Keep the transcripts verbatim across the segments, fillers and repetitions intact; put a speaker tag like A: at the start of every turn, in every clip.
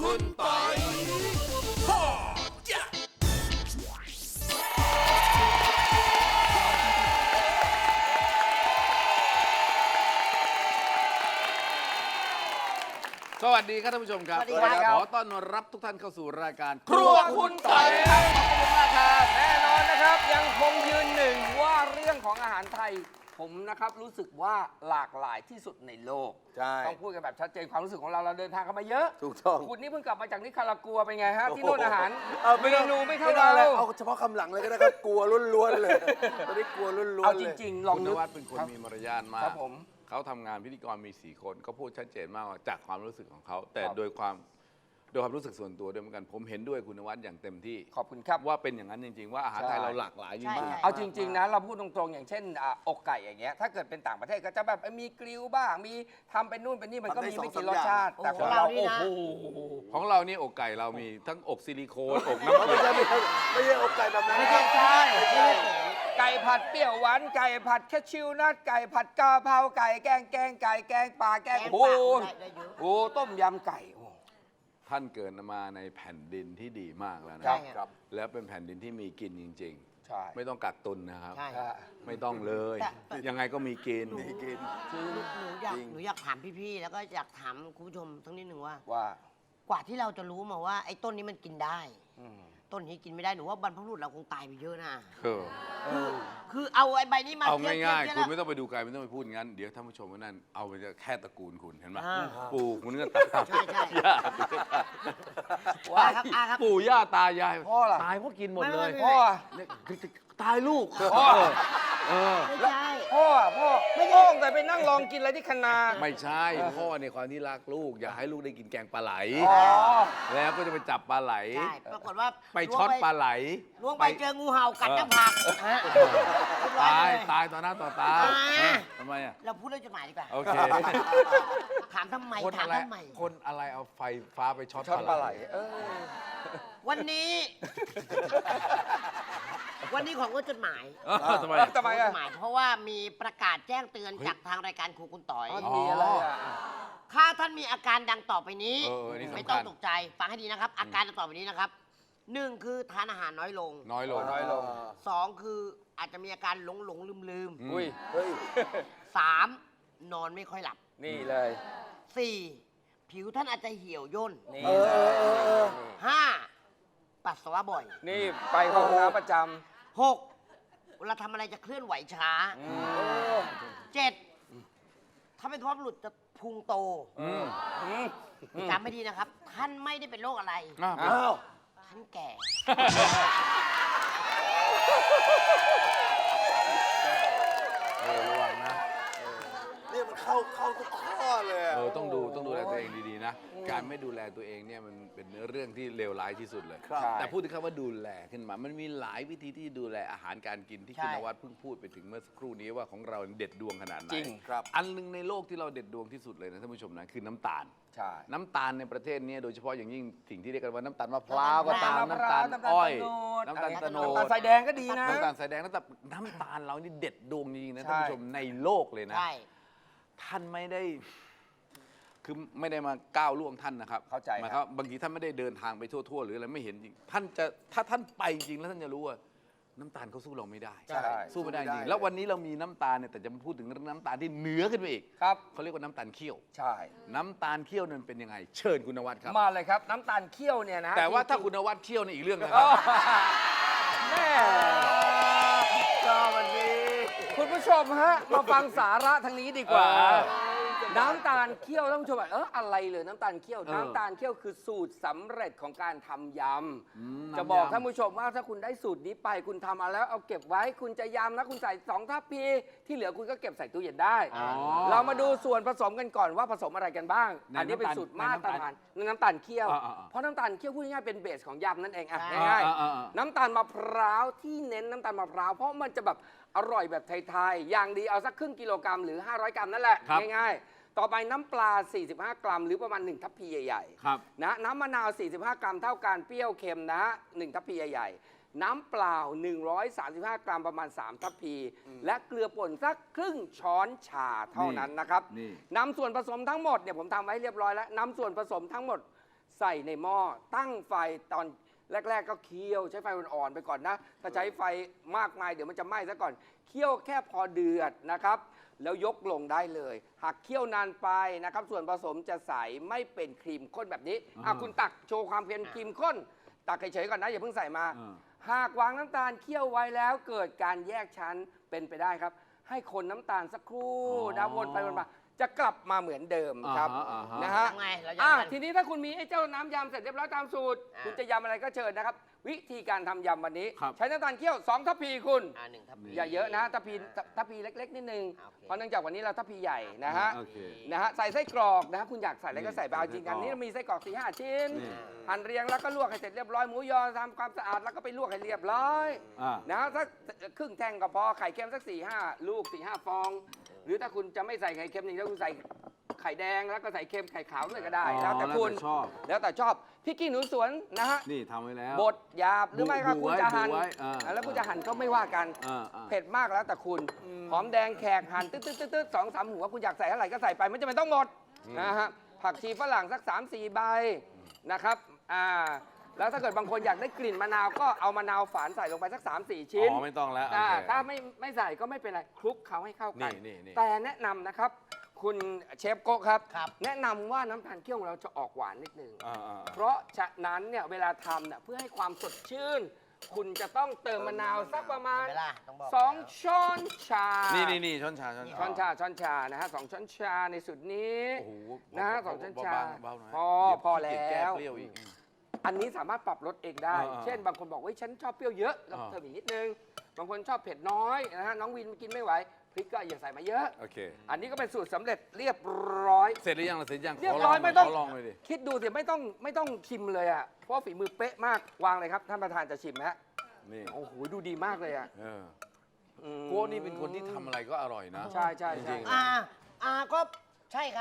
A: คุณปอยสวัสดีครับท่านผู้ชมครับ
B: สวัสดีครับ
A: ขอต้อนรับทุกท่านเข้าสู่รายการ
B: ครัวคุณปอยครับขอบคุณมากครับแน่นอนนะครับยังคงยืนหนึ่งว่าเรื่องของอาหารไทยผมนะครับรู้สึกว่าหลากหลายที่สุดในโลก
C: ใช่
B: ต้องพูดกันแบบชัดเจนความรู้สึกของเราเราเดินทางกันมาเยอะ
C: ถูกต้อง
B: คุณนี่เพิ่งกลับมาจากนิคารากัวเป็นไงฮะที่โน่นอาหาร
C: เอา
B: เมนูไม่เท่า
C: ด้
B: เรา
C: เอาเฉพาะคำหลังเลยก็ได้ครับ กลัวล้วนๆเลยตอนนี้กลัวล้วนๆ
B: เอา
C: เลย
B: จริงๆลอง
A: คุณน
B: นึก
A: วัดเป็นคนมีมารยาทมา
B: ครั
A: ก
B: บผม
A: เขาทำงานพิธีกรมีสี่คนก็พูดชัดเจนมากว่าจากความรู้สึกของเขา แต่
B: ครับ
A: โดยความโดยความรู้สึกส่วนตัวด้วยเหมือนกัน ผมเห็นด้วยคุณนวัดอย่างเต็มที่
B: ขอบคุณครับ
A: ว่าเป็นอย่างนั้นจริง ๆ ว่าอาหารไทย
B: ใช่
A: เราหลากหลายจริง
D: ใช่
A: มาก
D: ใช่
B: เอาจริงๆนะเราพูดตรงๆอย่างเช่นอ่ะอกไก่อย่างเงี้ยถ้าเกิดเป็นต่างประเทศก็จะแบบมีกริลบ้างมีทำเป็นนู่นเป็นนี่มันก็มีไม่กี่รสชาติแต่ของเราโอ้โห
A: ของเรานี่อกไก่เรามีทั้งอกซิลิโคนอกน้ำ
C: ไม่ใช่ไม่ใช่ไม่ใช่อกไก่แบบนั้น
B: ไม่
C: นะค
B: ใช่
C: รับ
B: ใช่ไก่ผัดเปรี้ยวหวานไก่ผัดแคชิวนัทไก่ผัดกะเพราไก่แกงแกงไก่แกงปลาแกง
D: แกง
B: โอ้
D: ปลา
B: โห
D: ได้ได้เยอะ
B: โอ้ต้มยำไก่โอ้
A: ท่านเกิดมาในแผ่นดินที่ดีมากแล้วนะ
B: ครับ
C: ครับ
A: แล้วเป็นแผ่นดินที่มีกินจริง
B: ใช่
A: ๆ ไม่ต้องกักตุนนะครับ
D: ใช่
B: ใช่
A: ไม่ต้องเลย
D: แต่แต่
A: ยังไงก็มีกิน
C: มีกิน
D: หนูหนูอยาก
C: จริง
D: หนูอยากถามพี่ๆ แล้วก็อยากถามคุณผู้ชมทั้งนิดหนึ่งว่า
B: ว่า
D: กว่าที่เราจะรู้มาว่าไอ้ต้นนี้มันกินได้
B: อืม
D: ต้นนี้กินไม่ได้หนูว่าบรรพบุรุษเราคงตายไปเยอะนะ
A: เออ
D: คือคือเอาไอ้ใบนี้มา
A: เอา
D: ทีบ
A: ง่าย
D: ทีบ
A: ๆ
D: ที
A: คุณ
D: บ
A: ไม่ต้องไปดูไกลไม่ต้องไปพูดงั้น เดี๋ยวท่านผู้ชมว่านั่นเอาไปจะแค่ตระกูลคุณเห็นไหม
D: อ่า
A: ปู่คุณก็ตาม
D: ใช่ใช่
A: ย่า
D: ว่าครับอาครับ
A: ปู่ย่าตายาย
B: พ่อล่ะ
A: ตายเพราะกินหมด
D: ไม่
A: เลย
D: ไม่
B: พ่อ
A: เนี่ยตายลูก
B: พ่อ
A: เออ
D: ไม่ใช่
B: พ่อพ่อไม่พ่อแต่ไปนั่งลองกินอะไรที่คณา
A: ไม่ใช่พ่อในความที่รักลูก อยากให้ลูกได้กินแกงปลาไหล
B: อ๋อ
A: แล้วก็จะไปจับปลาไหล
D: ใช่ปรากฏว่า
A: ไปช็อตปลาไหล
D: ล้วงไปเจองูเห่ากัดหน้าผากฮะ
A: ตาย
D: เรีบร้อเล
A: ตายต่อหน้าต่อตา
D: อ่า
A: เออทำไมอ่ะ
D: เราพูดเรื่องจดหมายดีกว่า
A: โอเค
D: ถามทำไม
A: คน
D: ถาม
A: อะไร
D: ทำไม
A: คนอะไรเอาไฟฟ้าไปช็อต
B: ช็อตปลาไหลเออ
D: วันนี้ วันนี้ของก็จดหมาย
A: เออทำไม
B: เออ
A: อ่ะ
B: ทำไมอ่ะ
D: จดหมายเพราะว่ามีประกาศแจ้งเตือนจากทางรายการครูคุณต่อย
B: อ๋อมีอะไรอ่ะ
D: ถ้าท่านมีอาการดังต่อไปนี้
A: เออนี่สำคัญ
D: ไม่ต้องตกใจฟังให้ดีนะครับ อาการดังต่อไปนี้นะครับหนึ่งคือทานอาหารน้อยลง
A: น้อยลง
B: น้อยลง
D: สองคืออาจจะมีอาการหลงหลงลืมลืม
A: อืม
B: อุ้ย
C: เฮ้ย
D: สามนอนไม่ค่อยหลับ
B: นี่เลย
D: สี่ผิวท่านอาจจะเหี่ยวย่น
B: นี่
C: เออ
B: เลย
C: เออเออ
D: ห้าปัสสาวะบ่อย
B: นี่ไปเข้าห้องน้ำประจ
D: หกเวลาทำอะไรจะเคลื่อนไหวช้า
B: ำอืม
D: เจ็ดถ้าเป็นท้องหลุดจะพุงโต
A: อืม
B: อืม
D: จำไม่ดีนะครับ ท่านไม่ได้เป็นโรคอะไร
A: อ่ะ
C: อ้าว
D: ท่านแก่
A: เออระวังนะ
C: เนี่ยมันเข้าเข้าทุกข้อเลยอะ
A: เออต้องดูต้องดูแลตัวเองดีๆนะ การไม่ดูแลตัวเองเนี่ยมันเป็นเรื่องที่เลวร้ายที่สุดเลย
C: ครับ
A: แต่พูดถึงคำว่าดูแลขึ้นมา มันมีหลายวิธีที่ดูแลอาหารการกินที่
D: ใช่
A: คุณนวัดเพิ่งพูดไปถึงเมื่อสักครู่นี้ว่าของเราเด็ดดวงขนาดไหน
B: จริง
C: ครับ
A: อันหนึงในโลกที่เราเด็ดดวงที่สุดเลยนะท่านผู้ชมนะคือน้ำตาล
B: ใช่
A: น้ำตาลในประเทศเนี้โดยเฉพาะอย่างยิ่งสิ่งที่เรียกกันว่าน้ำตาลมะพร้าวก็ตาม
B: น้ำ
A: น้ำ
B: ตา
A: ตา
B: ล
A: ล
B: น้ำตาล
A: อ้อย
B: ตะโนด
A: น้ำตาลตะโน
B: น้ำตาล
A: ด
B: ทรายแดงก็ดีนะ
A: น้ำตาลสายแดงน้ำตาลน้ำตาลเรานี่เด็ดดวงจริงๆนะ
B: ใช่
A: ท่านผู้ชมในโลกเลยนะ
D: ใช่
A: ท่านไม่ได้ คือไม่ได้มาก้าวล่วงท่านนะครับ
B: เข้าใจ
A: หมาย
B: ค
A: ครับ วามบางทีท่านไม่ได้เดินทางไปทั่วๆหรืออะไรไม่เห็นจริง ท่านจะถ้าท่านไปจริงแล้วท่านจะรู้ว่าน้ำตาลเขาสู้เราไม่ได้
B: ใช่
A: สู้ไม่ได้จ
C: สู้
A: ริ
C: ไม่
A: ง
C: ได้
A: แล้ววันนี้เรามีน้ำตาลเนี่ยแต่จะมาพูดถึงเรื่องน้ำตาลที่เหนือขึ้นไปอีก
B: ครับ
A: เขาเรียกว่าน้ำตาลเคี่ยว
B: ใช่
A: น้ำตาลเคี่ยวนั้นเป็นยังไง เชิญคุณนวัดครับ
B: มาเลยครับ น้ำตาลเคี่ยวเนี่ยนะ
A: แต่ว่าถ้า
B: จริงๆ
A: คุณนวัดเคี่ยวในอีกเรื่องนะค
B: อ๋
A: รั
B: อบ แม่สวัสดีคุณผู้ชมฮะ มาฟังสาระทางนี้ดีกว่า
A: เออ
B: น้ำตาลเคี่ยวท่านผู้ชมบอกเอออะไรเลยน้ำตาลเคี่ยว
A: เออ
B: น้ำตาลเคี่ยวคือสูตรสำเร็จของการทำย
A: อืม
B: ำจะบอก
A: น้ำยำ
B: ท่านผู้ชมว่าถ้าคุณได้สูตรนี้ไปคุณทำมาแล้วเอาเก็บไว้คุณจะยำนะคุณใส่สองทัพพีที่เหลือคุณก็เก็บใส่ตู้เย็นได้
A: อ๋อ
B: เรามาดูส่วนผสมกันก่อนว่าผสมอะไรกันบ้าง
A: ใน
B: อันนี้เป็น
A: น้ำตาล
B: สูตรมาตรฐานในน้ำตาลเคี่ยว
A: อ่าๆๆ
B: เพราะน้ำตาลเคี่ยวพูดง่ายๆเป็นเบสของยำนั่นเองอ่ะ
D: ใช่
B: ง่าย
A: อ่าๆๆ
B: ๆน้ำตาลมะพร้าวที่เน้นน้ำตาลมะพร้าวเพราะมันจะแบบอร่อยแบบไทยๆอย่างดีเอาสักครึ่งกิโลกรัมหรือห้าร้อยกรัมนั่นแหละ
A: ครับ
B: ง่ายๆต่อไปน้ำปลา สี่สิบห้า กรัม หรือประมาณหนึ่งทัพพีใหญ่
A: ครับ
B: ๆนะน้ำมะนาว สี่สิบห้า กรัมเท่ากันเปรี้ยวเค็มนะหนึ่งทัพพีใหญ่ๆน้ำเปล่า หนึ่งร้อยสามสิบห้า กรัมประมาณสามทัพพี และเกลือป่นสักครึ่งช้อนชาเท่านั้นนะครับ
A: นี่
B: นำส่วนผสมทั้งหมดเนี่ยผมทำไว้เรียบร้อยแล้วนำส่วนผสมทั้งหมดใส่ในหม้อตั้งไฟตอนแรก ๆ ก็เคี่ยวใช้ไฟอ่อนๆไปก่อนนะถ้าใช้ไฟมากมายเดี๋ยวมันจะไหม้ซะก่อนเคี่ยวแค่พอเดือดนะครับแล้วยกลงได้เลยหากเคี่ยวนานไปนะครับส่วนผสมจะใสไม่เป็นครีมข้นแบบนี้อ่ะคุณตักโชว์ความเป็นครีมข้นตักเฉยๆก่อนนะอย่าเพิ่งใส่มา
A: อ่า
B: หากวางน้ำตาลเคี่ยวไว้แล้วเกิดการแยกชั้นเป็นไปได้ครับ ให้คนน้ำตาลสักครู่
A: อ๋อ
B: นะวนไปวนมาจะกลับมาเหมือนเดิมครับ
A: อ่าฮะอ่าฮะ
B: นะฮะ
D: ทำไงเราจะ
B: อ่ะ
D: ทำกัน
B: ทีนี้ถ้าคุณมีไอ้เจ้าน้ำยำเสร็จเรียบร้อยตามสูตร
D: อ่า
B: คุณจะยำอะไรก็เชิญนะครับ วิธีการทำยำวันนี้
A: ครับ
B: ใช้น้ำตาลเคี่ยวสองทัพพีคุณ
D: อ่าหนึ่งทัพพี
B: อย่าเยอะนะทัพพีทัพพีเล็ก ๆ นิดนึง
D: โอเค
B: เพราะเนื่องจากวันนี้เราทัพพีใหญ่นะฮะ
A: โอเค
B: นะฮะใส่ไส้กรอกนะฮะคุณอยากใส่อะไรก็ใส่ไป
A: นี่
B: เอาจริงกัน
A: ไส้กรอก
B: นี้เรามีไส้กรอกสี่ห้าชิ้น
A: นี่
B: หั่นเรียงแล้วก็ลวกให้เสร็จเรียบร้อยหมูยอทำความสะอาดแล้วก็ไปลวกให้เรียบร้อย
A: อ่า
B: นะฮะสักครึ่งแท่งก็พอไข่เค็มสักสี่ห้าลูกสี่ห้าฟอง หรือถ้าคุณจะไม่ใส่ไข่เค็มนี่ถ้าคุณใส่ไข่แดงแล้วก็ใส่เค็มไข่ขาวเลยก็ได้
A: อ๋อ
B: แล้วแต่คุณ
A: แล้วแต่ชอบ
B: แล้วแต่ชอบพริกขี้หนูสวนนะฮะ
A: นี่ทำไว้แล้ว
B: บดหยาบหรือไม่ก็
A: บุ
B: คุณ
A: ไว้
B: จะหั่น
A: บุไว้อ่า
B: แล้วคุณจะหั่นก็ไม่ว่ากัน
A: อ่าอ่า
B: เผ็ดมากแล้วแต่คุณหอมแดงแขกหั่นตึ๊ดตึ๊ดตึ๊ดตึ๊ดสองสามหัวคุณอยากใส่เท่าไหร่ก็ใส่ไปไม่จำเป็นต้องหมดนะฮะผักชีฝรั่งสักสามสี่ใบนะครับอ่าแล้วถ้าเกิดบางคนอยากได้กลิ่นมะนาวก็เอามะนาวฝานใส่ลงไปสักสามสี่ชิ้น
A: อ๋อไม่ต้องแล้วโอ
B: อ่า
A: เค
B: ถ้าไม่ไม่ใส่ก็ไม่เป็นไรคลุกเขาให้เข้ากัน
A: นี่นี่นี่
B: แต่แนะนำนะครับ คุณเชฟโกะครับ
D: ครับ
B: แนะนำว่าน้ำตาลเคี่ยวของเราจะออกหวานนิดนึง
A: อ่าอ่า
B: เพราะฉะนั้นเนี่ยเวลาทำเนี่ยเพื่อให้ความสดชื่น คุณจะต้องเติมมะนาวสักประมาณ
D: เวลาต้องบอก
B: สองช้อนชา
A: นี่นี่นี่ช้อนชาช้อนชา
B: ช้อนชาช้อนชานะฮะสองช้อนชาในสุดนี้
A: โอ้โห
B: นะฮะสองช้อนชา
A: เบาๆหน่อย
B: พอ
A: เดี๋ยว
B: พอ
A: ขี้เกียจ
B: แล้ว
A: ก้เปรี้ยวอีก
B: อันนี้สามารถปรับลดเองได้
A: อ่าๆ
B: เช่น บางคนบอกว่าฉันชอบเปรี้ยวเยอะก็
A: อ่า
B: เติมอีกนิดนึง บางคนชอบเผ็ดน้อยนะฮะ น้องวินกินไม่ไหว พริกก็อย่าใส่มาเยอะ
A: โอเค
B: อันนี้ก็เป็นสูตรสำเร็จเรียบร้อย
A: เสร็จหรือยังล่ะเสร็จยัง
B: เรียบร้อยไม่ต้อง
A: ขลองเลยดิ
B: คิดดูสิไม่ต้องไม่ต้องชิมเลยอ่ะ เพราะฝีมือเป๊ะมาก วางเลยครับ ท่านประธานจะชิมฮะ
A: นี่
B: โอ้โห ดูดีมากเลยอ่ะ
A: เออ
B: อืม
A: โก้นี่เป็นคนที่ทำอะไรก็อร่อยนะ
B: ใช่ใช่
A: จ
B: ใช่
A: ริงๆ
D: อ่าอ่าก็ใช่ครับ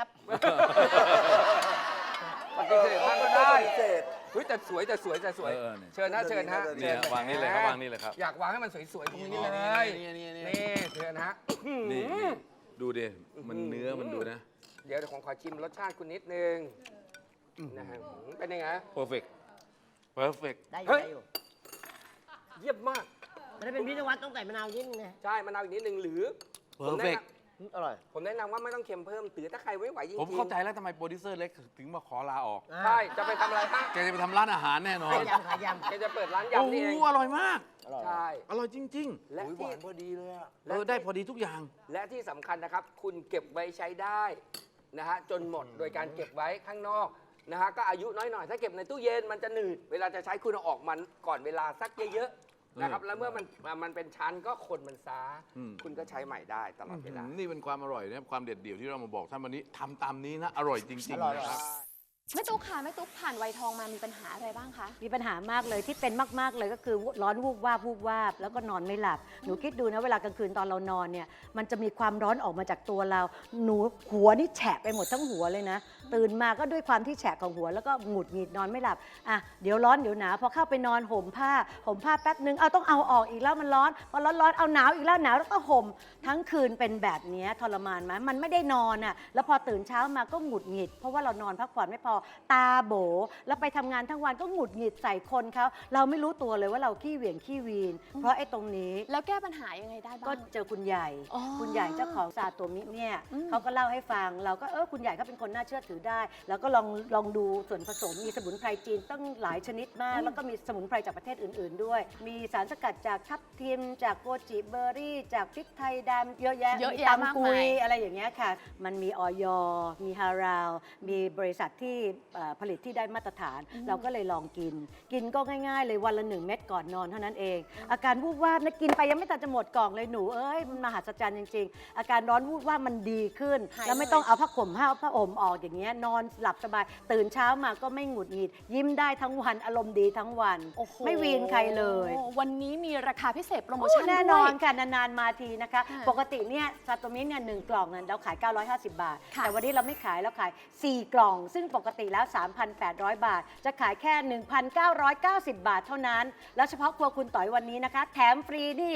B: ปฏิเสธท่านก็ได้
C: ปฏิเสธ
B: เฮ้ยแต่สวยแต่สวยแต่สวย
A: เออเนี่ย
B: เชิญนะเชิญฮะ
A: เนี่ย
B: ชิญ
A: วางนี่เลยครับวางนี่เลยครับ
B: อยากวางให้มันสวยๆตรงนี้เลย
A: นี่นี่นี่
B: นี่เชิญฮะ
A: นี่ดูดิมันเนื้อมันดูนะ
B: เดี๋ยวเดี๋ยวผมขอชิมรสชาติคุณนิดนึงนะฮะเป็นยังไง
A: perfect perfect
D: ได้อ
B: เฮ้
D: ยู่
B: ย
D: ได้อยู่
B: เยี่ยมมาก
D: มันได้เป็นพิธีวัตรต้องใส่มะนาวนิดนึงนะ
B: ใช่มะนาวอีกนิดนึงหรือผมแนะ
A: perfect
B: น
D: อืมอร่อย
B: ำผมแนะนำว่าไม่ต้องเค็มเพิ่มตือถ้าใครไม่ไหวจริงๆ
A: ผมเข้าใจแล้วทำไมโปรดิวเซอร์เล็กถึงมาขอลาออก
D: อ่า
B: ใช่จะไปทำอะไรฮะ
A: แกจะไปทำร้านอาหารแน่นอน
D: ขายยำขายย
B: แกจะเปิดร้าน
A: โอ้
B: ยำนี่เอง
A: โหอร่อยมาก
D: ำอร่อย
B: ใช่
A: อร่อยจริง
B: และ
C: อุ๊ยห
B: ที่
C: วานพอดีเลยอะ
A: ๆ เออได้พอดีทุกอย่าง
B: และที่สำคัญนะครับ คุณเก็บไว้ใช้ได้นะฮะจนหมดโดยการเก็บไว้ข้างนอกนะฮะก็อายุน้อยหน่อยถ้าเก็บในตู้เย็นมันจะหนืดเวลาจะใช้คุณเอาออกมันก่อนเวลาสักเยอะๆนะครับแล้วเมื่อมันมันเป็นชั้นก็คนมันซา
A: อืม
B: คุณก็ใช้ใหม่ได้ตลอดเวลา
A: นี่เป็นความอร่อยนะความเด็ดเดี่ยวที่เรามาบอกท่านวันนี้ทำตามนี้นะ อร่อยจริง
D: อร่อย
A: ๆนะครับ
E: แม่ตุ๊กค่ะแม่ตุ๊กผ่านวัยทองมามีปัญหาอะไรบ้างคะ
F: มีปัญหามากเลยที่เป็นมาก ๆ เลยก็คือร้อนวูบวาบวูบวาบแล้วก็นอนไม่หลับ หนูคิดดูนะเวลากลางคืนตอนเรานอนเนี่ยมันจะมีความร้อนออกมาจากตัวเรา หนูหัวนี่แฉะไปหมดทั้งหัวเลยนะ ตื่นมาก็ด้วยความที่แฉะของหัวแล้วก็หงุดหงิดนอนไม่หลับอ่ะเดี๋ยวร้อนเดี๋ยวหนาวพอเข้าไปนอนห่มผ้าห่มผ้าแป๊บนึงเอาต้องเอาออกอีกแล้วมันร้อนพอร้อนร้อนเอาหนาวอีกแล้วหนาวแล้วก็ห่มทั้งคืนเป็นแบบนี้ทรมานไหมมันไม่ได้นอนอ่ะแล้วพอตื่นเช้ามาก็หงุดหงิด เพราะว่าเรานอนพักผ่อนไม่พอตาโบแล้วไปทำงานทั้งวันก็หงุดหงิดใส่คนเขาเราไม่รู้ตัวเลยว่าเราขี้เหวี่ยงขี้วีน เพราะไอ้ตรงนี้
E: แล้วแก้ปัญหายังไงได้บ้าง
F: ก็เจอคุณใหญ่
E: อ๋อ
F: คุณใหญ่เจ้าของซาโตมิเนี่ย
E: อืม
F: เขาก็เล่าให้ฟัง เราก็เออคุณใหญ่เขาเป็นคนน่าเชื่อถือได้ แล้วก็ลองลองดูส่วนผสมมีสมุนไพรจีนตั้งหลายชนิดมาก แล้วก็มีสมุนไพรจากประเทศอื่น ๆ ด้วย มีสารสกัดจากทับทิม จากโกจิเบอร์รี่ จากพริกไทยดำเยอะแยะ
E: เยอะ
F: มี
E: แยะมาก
F: ตำกุ
E: มาย ย
F: อะไรอย่างเงี้ยค่ะ มันมีออยมีฮาราว มีบริษัทที่เอ่อผลิตที่ได้มาตรฐาน เราก็เลยลองกิน กินก็ง่าย ๆ เลยวันละหนึ่งเม็ดก่อนนอนเท่านั้นเอง อาการวูบวาบนะกินไปยังไม่ทันจะหมดกล่องเลยหนูเอ้ยมันมหัศจรรย์จริง ๆ อาการร้อนวูบวาบมันดีขึ้น
E: หาย
F: แล้วไม่ต้องเอาผ้าห่มผ้าผ้าห่มออกอย่างเงี้ยนอนหลับสบาย ตื่นเช้ามาก็ไม่หงุดหงิด ยิ้มได้ทั้งวันอารมณ์ดีทั้งวัน
E: โอ้โห
F: ไม่วีนใครเลย
E: วันนี้มีราคาพิเศษโปรโม
F: โอ้
E: ชั่น
F: แน่
E: ด้วย
F: นอนค่ะนานๆมาทีนะคะ
E: อ่า
F: ปกติเนี่ยซาโตมิเนี่ยหนึ่งกล่องเนี่ยเราขาย เก้าร้อยห้าสิบบาท
E: ค่ะ
F: แต่วันนี้เราไม่ขายเราขาย สี่กล่อง ซึ่งปกติแล้ว สามพันแปดร้อย บาท จะขายแค่ หนึ่งพันเก้าร้อยเก้าสิบ บาทเท่านั้น แล้วเฉพาะครัวคุณต่อยวันนี้นะคะ แถมฟรีนี่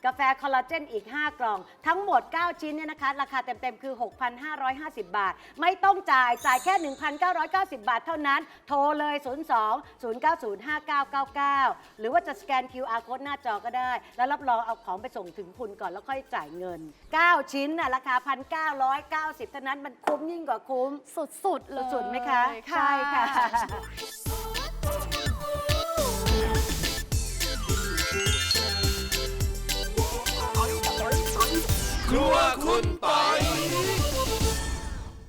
F: กาแฟคอลลาเจนอีก ห้ากล่อง ทั้งหมด เก้า ชิ้นเนี่ยนะคะ ราคาเต็ม ๆ คือ หกพันห้าร้อยห้าสิบ บาท ไม่ต้องจ่าย จ่ายแค่ หนึ่งพันเก้าร้อยเก้าสิบ บาทเท่านั้น โทรเลย ศูนย์ สอง ศูนย์ เก้า ศูนย์ ห้า เก้า เก้า เก้า หรือว่าจะสแกน คิว อาร์ Code หน้าจอก็ได้ แล้วรับรองเอาของไปส่งถึงคุณก่อนแล้วค่อยจ่ายเงิน เก้า ชิ้นน่ะราคา หนึ่งพันเก้าร้อยเก้าสิบ เท่านั้นมันคุ้มยิ่งกว่าคุ้ม
E: สุดๆเลย
F: สุดๆไหมคะ
E: ค่ะ
F: ใช่ค่ะ
A: ครัวคุณปอย